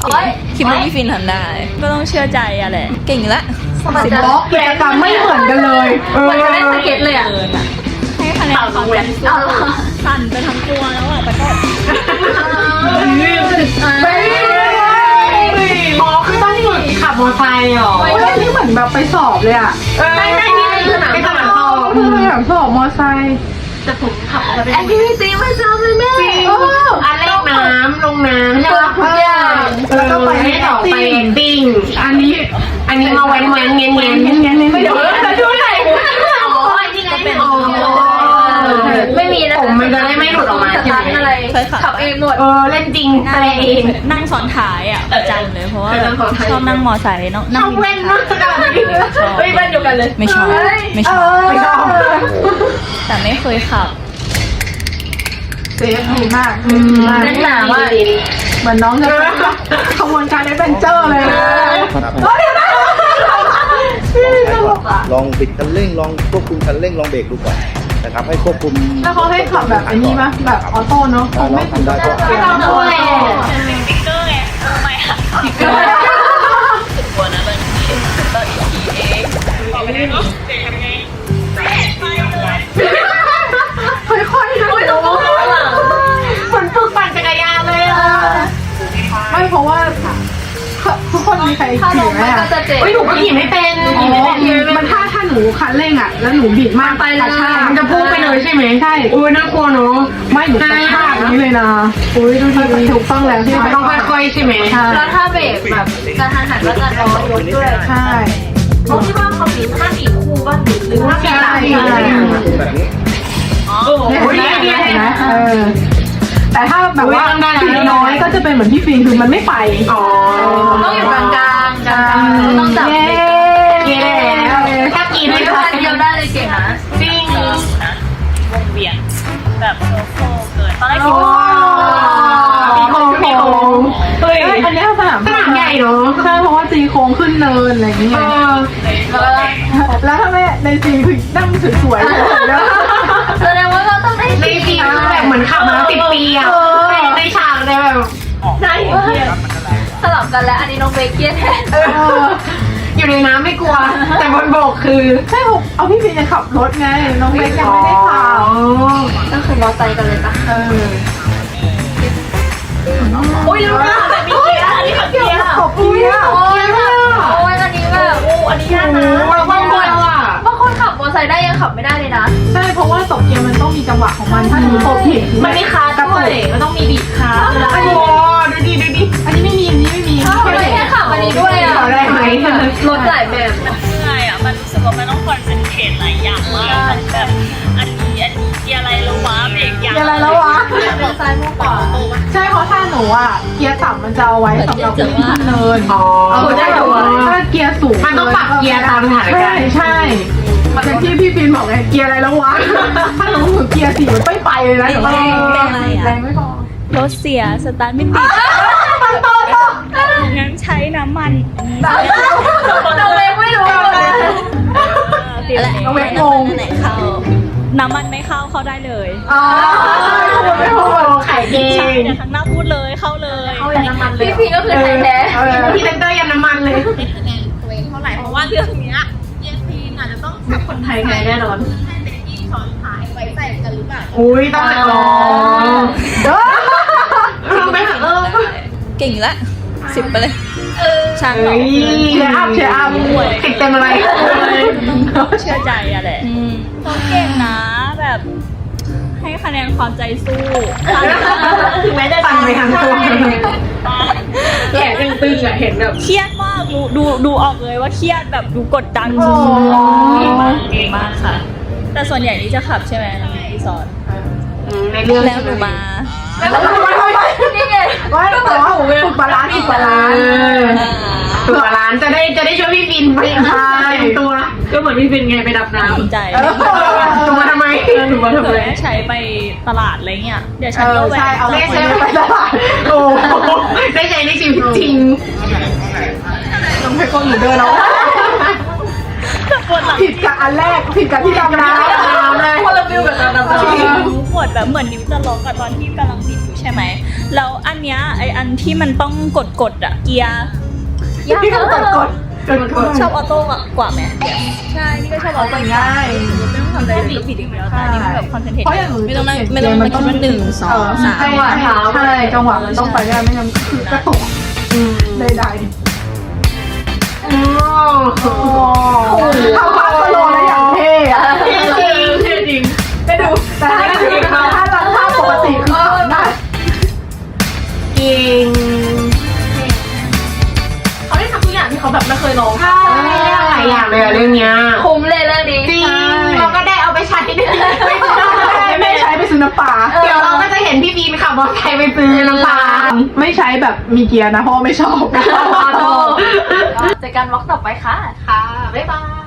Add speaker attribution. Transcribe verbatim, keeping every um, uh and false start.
Speaker 1: คิดว่าพี่ฟินทำได้ก็ต้องเชื่อใจอะแหละเก่งละ
Speaker 2: สิบบล็อกกิจกรรมไม่เหมือนกันเลยเหมือนเล่นสเก็ตเลยอ่ะ
Speaker 1: ให้คะแนนความใจสู้สั่นไปทั้งตัวแล้วอ่ะแต่ก็
Speaker 2: ไม่หมอคือต้องฝึกขับมอเตอร์ไซค์หรอนี่เหมือนแบบไปสอบเลยอ่ะไม่ไม่นี่คือสนามสอบคือสนามสอบมอเตอร์ไซค์
Speaker 3: จะถูกขับแอคทิวิตี้ไม่จำเลยแม่
Speaker 2: อันเล่นน้ำลงน้ำใช่ไหมทุกอย่างแล้วก็ไปให้ต่อไปติ้งอันนี้อันนี้มาแว้นแว้นเงี้ยเงี้ยเงี้ยเงี้ยไม่เดี๋ยวจะดูไหน
Speaker 3: อ๋อนี่ไงเป็นไม่มีนะ
Speaker 2: ผมมันจะได้ไม่หลุดออกมาใช่ไหม
Speaker 3: อะไรขับเองหมด
Speaker 2: เออเล่นจริงอะไรเอง
Speaker 1: นั่งซ้อนท้ายอ่ะประจำเลยเพราะว่าชอบนั่งมอไซค์เนาะนั่ง
Speaker 2: เว้นมาก
Speaker 3: เฮ้ยบ้านเดียวกันเลย
Speaker 1: ไม่ชอบไม่ชอบ
Speaker 2: ไม่ชอบ
Speaker 1: แต่ไม่เคยขับ
Speaker 2: เซฟดีมาก
Speaker 3: นั่นหนาว่า
Speaker 2: เหมือนน้องจะขบวนการแอดเวนเจอร์เลย
Speaker 4: ลองบิดคันเร่งลองควบคุมคันเร่งลองเบรกดูก่อนนะครับให้ควบคุม
Speaker 2: แล้วเขาให้ขับแบบอันนี้มั้ยแบบออโต้เนาะ
Speaker 4: ไม่ทำได้ก็
Speaker 2: ไม่ต้องด้วย
Speaker 1: เป็นสติ๊กเกอร์ไงทำไมอ่ะสติ๊กเกอร์ตัวนั้นเป็นตัวอีทีเอ็กซ์บอกไม่ได้เนาะเด็กทำไง
Speaker 2: ค่อยๆนะเหมือนฝึกปั่นจักรยานเลยอ่ะไม่เพราะว่าทุกคนมีใครขี่ไหมอ่ะเฮ้ยหนูก็ขี่ไม่เป็นขี่ไม่เป็นมันถ้าถ้าหนูคันเร่งอ่ะแล้วหนูบิดมากไปกระชากมันจะพุ่งไปเลยใช่ไหมใช่อุ้ยน่ากลัวเนาะไม่หนูกระชากนี้เลยนะอุ้ยดูทีถูกต้องแล้วที่ต้องค่อยๆใช่ไหมใช่
Speaker 3: แล้วถ้าเบรกแบบการหันหันก็จะรอยกด้วย
Speaker 2: ใช่
Speaker 3: เพราะที่ว่าเขาบีบห้าบีบคู่บ้างหรือห้าบีบอะไร
Speaker 4: แบบนี้
Speaker 2: โอ้ยเนี่ยเห็นไหมเออแต่ถ้าแบบว่าสีน้อยก็จะเป็นเหมือนพี่ฟินคือมันไม่ไปอ๋อ
Speaker 3: ต้องอยู่กลางกลางกลางต้องจับเ
Speaker 2: ย้
Speaker 3: ถ้ากินไม่ทันเดียวได้เลยเก่งนะ
Speaker 1: จริงนะวงเวียนแบบโซโซ่เกิดตอนแรกคิดว่า
Speaker 2: ปีโค้งปีโค้งเฮ้ยอันนี้สนามสนามใหญ่เนาะใช่เพราะว่าจีโค้งขึ้นเนินอะไรอย่างเงี้ยแล้วถ้าแม่ในจีคือนั่งสวยๆเลย
Speaker 3: แสดงว่าเราต้องได้
Speaker 2: ในจีแบบเหมือนขับมาสิบปีอ่ะในฉากเลยแบบ
Speaker 3: ใช่สลับกันแล้วอันนี้น้องเบเกียนแทน
Speaker 2: อยู่ในน้ำไม่กลัวแต่บนบกคือใช่ผมเอาพี่ฟินจะขับรถไงน้องเบกยังไม่ได้ขับ
Speaker 3: ก็คือมอไซค์กันเลยปะ
Speaker 2: เออ
Speaker 3: โอ้ยรู้นะแบบมีเกียร์อันนี้ขับเกียร์
Speaker 2: ขับเกียร์
Speaker 3: โอ้ยแบบโอ้ยอันนี้แบบโอ้อันนี้ยากนะ
Speaker 2: บางคนอ่ะ
Speaker 3: บางคนขับมอไซค์ได้ยังขับไม่ได้เลยนะ
Speaker 2: ใช่เพราะว่าตกเกียร์มันต้องมีจังหวะของมันถ้าหนูตกผิด
Speaker 3: มันมีคาร์ด้วยมันต้องมีบีบคาร์
Speaker 2: อันนี้ดูดิดูดิอันนี้ไม่มีอันนี้ไม่มี
Speaker 3: แค่ขับอันนี้ด้วยอ่ะ
Speaker 2: ได้ไหม
Speaker 3: รถหลายแบบ
Speaker 1: มันเหนื่อยอ่ะมันรู้สึกว่ามันต้องคอนเซนเทรตหลายอย่างมากแบบอันนี้อันนี้เกียร์อะไรแล้ววะเบรกอย่าง
Speaker 2: อะไรแล้ววะ
Speaker 3: มอซ้ายมอขวา
Speaker 2: ใช่เพราะถ้าหนูอ่ะเกียร์ต่ำมันจะเอาไว้สำหรับขึ้นเนินอ๋อได้แต่ว่าถ้าเกียร์สูงมันต้องปรับเกียร์ตามสถานการณ์ใช่อย่างที่พี่ฟินบอกไงเกียร์อะไรแล้ววะถ้าหนูถือเกียร์สี่มันไม่ไปเลยนะ
Speaker 1: แรงแรง
Speaker 2: แรงไม่พอ
Speaker 1: รถเสียสตาร์ทไม่ติดงั้นใช้น้ำมัน
Speaker 3: เราเล็กไม่รู้เลย
Speaker 1: เราเล็กงงไหนเข้าน้ำมันไม่เข้าเข้าได้เลย
Speaker 2: อ๋อไม่พูดไข่เอง
Speaker 1: เดี๋ยวทั้งหน้าพูดเลยเข้าเลย
Speaker 3: เข้ายันน้ำมันเลยพี่พีก็คือไทยแท้
Speaker 2: พี่เซนเตอร์ยันน้ำมันเลย
Speaker 1: ไม่คะแนนตัวเองเท่าไหร่เพราะว่าเรื่องนี้เยนพีอาจจะต้อง
Speaker 3: แบบคนไทยแน่นอน
Speaker 1: ให้เด็กที่ช้อนท้ายไว้ใส่กันหรือเปล่า
Speaker 2: อุ้ยต้องอ๋อเด้อทำไปเถอะ
Speaker 1: เก่งละสิบไปเลยช่างหรอ
Speaker 2: เชียร์อัพเชียร์อัพติดเต็มอะไร
Speaker 1: เชื่อใจอะแหละเขาเก่งนะแบบให้คะแนนความใจสู้
Speaker 3: ถึงแม้จะ
Speaker 2: ปั่นไปทางตัวแขนตึงๆอะเห็นแบบ
Speaker 1: เครียดมากดูดูดูออกเลยว่าเครียดแบบดูกดดันสุดๆเก่งมากเก่งมากค่ะแต่ส่วนใหญ่นี่จะขับใช่ไหมรีสอร์ท
Speaker 2: ในเรื่อง
Speaker 1: แล้วหนูมา
Speaker 3: แล้วทำไมนี่ไง
Speaker 2: ว่าแต่ว่าฝึกบาลานซ์ฝึกบาลานซ์ฝึกบาลานซ์จะได้จะได้ช่วยพี่ฟินไปพายตัวก็เหมือนพี่ฟินไงไปดับน้ำ
Speaker 1: ใจ
Speaker 2: ถูกมาทำไมถูกมาทำไม
Speaker 1: ใช้ไปตลาดอะไรเงี้ยเดี๋ยวฉันก็แวะ
Speaker 2: เอาได้ใช้ไปตลาดโอ้ได้ใช้ในชีวิตจริงต้องให้คนหนูเดินเอาผิดกับอันแรกผิดกับที่ดำน้ำเลย
Speaker 3: คนละฟิลกับการดำน้ำ
Speaker 1: ปวดแบบเหมือนนิ้วจะล็อกกับตอนที่กำลังติดอยู่ใช่ไหมแล้วอันเนี้ยไออันที่มันต้องกดกดๆอะเกียร์
Speaker 3: ยาก
Speaker 2: ที่เขากดกดกดกด
Speaker 1: ชอบออโต้กว่าไหมใช่นี่ก็ชอบออโต้
Speaker 2: ง่าย
Speaker 1: ไม่ต้องทำอะไรเลยผิดอย่างเดียวแต่อันนี้มันแบบคอนเซนเทรต
Speaker 2: เพราะอย่าง
Speaker 1: ไม่ต้องไม่ต้องมาคิดว่าหนึ่งสองสาม
Speaker 2: จังหวะเท้าใช่จังหวะมันต้องไปได้ไม่งั้นคือกระตุกได้ได้โอ้โหทำพาสโลแล้วอย่างเท่อะเท่จริงเท่จริงได้ดูแต่ถ้าถ้ารันท่าปกติคือทำได้เก่ง
Speaker 3: เขาได้ทำทุกอย่างที่เขาแบบไม่เคยลอง
Speaker 2: ใช่หลายอย่างเลยอะเรื่องเนี้ย
Speaker 3: คุ้มเลยเรื่องนี้
Speaker 2: จริงเราก็ได้เอาไปใช้ด้วยไม่ใช้ไปซื้อน้ำปลาเดี๋ยวเราก็จะเห็นพี่บีมขับมอเตอร์ไซค์ไปซื้อน้ำปลาไม่ใช้แบบมีเกียร์นะเพราะว่าไม่ชอบ
Speaker 3: เจอกันวอล์กต่อไปค่ะ
Speaker 2: ค่ะบ๊ายบาย